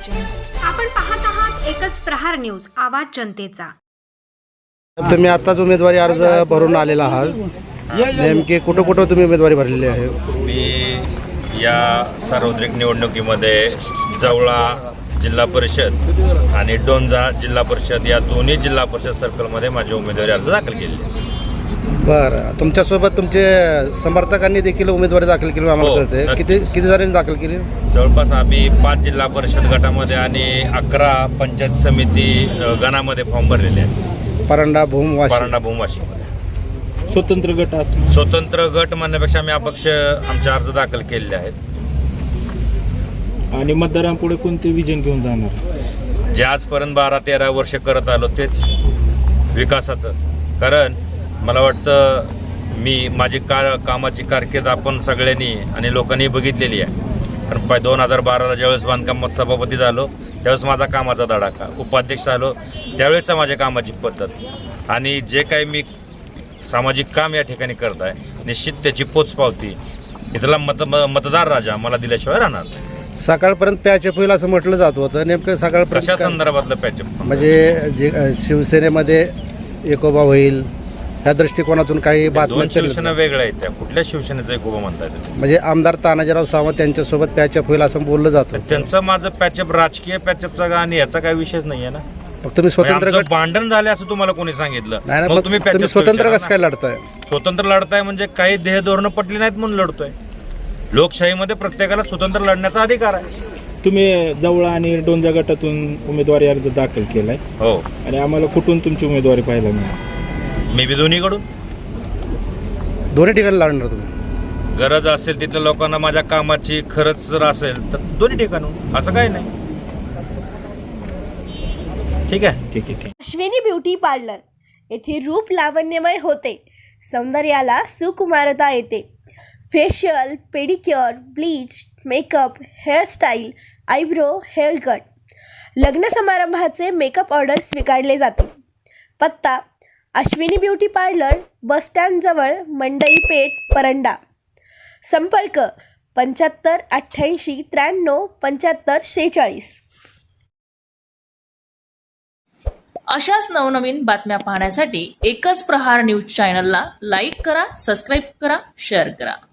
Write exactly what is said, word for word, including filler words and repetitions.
आपण पाहत आहात एकच प्रहार न्यूज, आवाज जनतेचा। तुम्ही आताच उमेदवारी अर्ज भरून आलेला आहात, नेमके कुठं कुठं तुम्ही उमेदवारी भरलेली आहे? मी या सार्वत्रिक निवडणुकीमध्ये जवळा जिल्हा परिषद आणि डोंजा जिल्हा परिषद या दोन्ही जिल्हा परिषद सर्कलमध्ये माझी उमेदवारी अर्ज दाखल केली। बरं, तुमच्यासोबत तुमचे समर्थकांनी देखील उमेदवारी दाखल केली आम्हाला हो, कळते। किती किती जणांनी दाखल केली? जवळपास आम्ही पाच जिल्हा परिषद गटामध्ये आणि अकरा पंचायत समिती गणामध्ये फॉर्म भरलेले आहेत। परंडा भूम वाशी परंडा भूम वाशीमध्ये स्वतंत्र गट असतो। स्वतंत्र गट म्हणण्यापेक्षा आम्ही अपक्ष आमचे अर्ज दाखल केलेले आहेत। आणि मतदारांपुढे कोणते विजन घेऊन जाणार? जे आजपर्यंत बारा तेरा वर्ष करत आलो तेच विकासाचं। कारण मला वाटतं मी माझी का कामाची कारकीर्द आपण सगळ्यांनी आणि लोकांनी बघितलेली आहे। कारण पाय दोन हजार बाराला ज्यावेळेस बांधकामात सभापती झालो त्यावेळेस माझा कामाचा धडाका, उपाध्यक्ष झालो त्यावेळेसचा माझ्या कामाची पद्धत आणि जे काही मी सामाजिक काम या ठिकाणी करत आहे निश्चित त्याची पोचपावती इथला मत मतदार राजा मला दिल्याशिवाय राहणार नाही। सकाळपर्यंत पॅचअप होईल असं म्हटलं जात होतं, नेमकं कशा सकाळपर्यंत संदर्भातलं पॅचअप? म्हणजे जे शिवसेनेमध्ये एकोबा होईल ह्या दृष्टिकोनातून काही दोन बातम्या शिवसेना वेगळ्या आहेत, त्या कुठल्या शिवसेनेचा एक उभा म्हणता येईल? म्हणजे आमदार तानाजीराव सावंत त्यांच्यासोबत पॅचअप होईल असं बोललं जातं। त्यांचं माझं पॅचअप राजकीय पॅचअपचा आणि याचा काही विषयच नाही आहे ना। मग तुम्ही स्वतंत्र आमचं गट भांडण झाले असं तुम्हाला कोणी सांगितलं? नाही ना, मग मग तुम्ही तुम्ही patchup स्वतंत्र विचारा कसं काय ना. लढताय? स्वतंत्र लढताय म्हणजे काही ध्येय धोरणं पटली नाहीत म्हणून लढतोय। लोकशाहीमध्ये प्रत्येकाला स्वतंत्र लढण्याचा अधिकार आहे। तुम्ही जवळा आणि डोंजा गटातून उमेदवारी अर्ज दाखल केलाय हो, आणि आम्हाला कुठून तुमची उमेदवारी पाहायला मिळाली? मी बी दोन्हीकडून दोन्ही ठिकाणी लढणार तुम्ही? गरज असेल तिथल्या लोकांना माझ्या कामाची खरंच जर असेल तर दोन्ही ठिकाणून, असं काही नाही। ठीक आहे ठीक आहे ठीक अश्विनी ब्युटी पार्लर येथे रूप लावण्यमय होते, सौंदर्याला सुकुमारता येते। Facial, pedicure, bleach, makeup, hairstyle, eyebrow, hair cut, लग्न समारंभाचे मेकअप ऑर्डर स्वीकारले जाते। पत्ता अश्विनी ब्युटी पार्लर, बसस्टँडजवळ, मंडई पेठ, परंडा। संपर्क पंच्याहत्तर अठ्ठ्याऐंशी त्र्याण्णव पंच्याहत्तर शेहेचाळीस। अशाच नवनवीन बातम्या पाहण्यासाठी एकच प्रहार न्यूज चॅनलला लाईक करा, सबस्क्राईब करा, शेअर करा।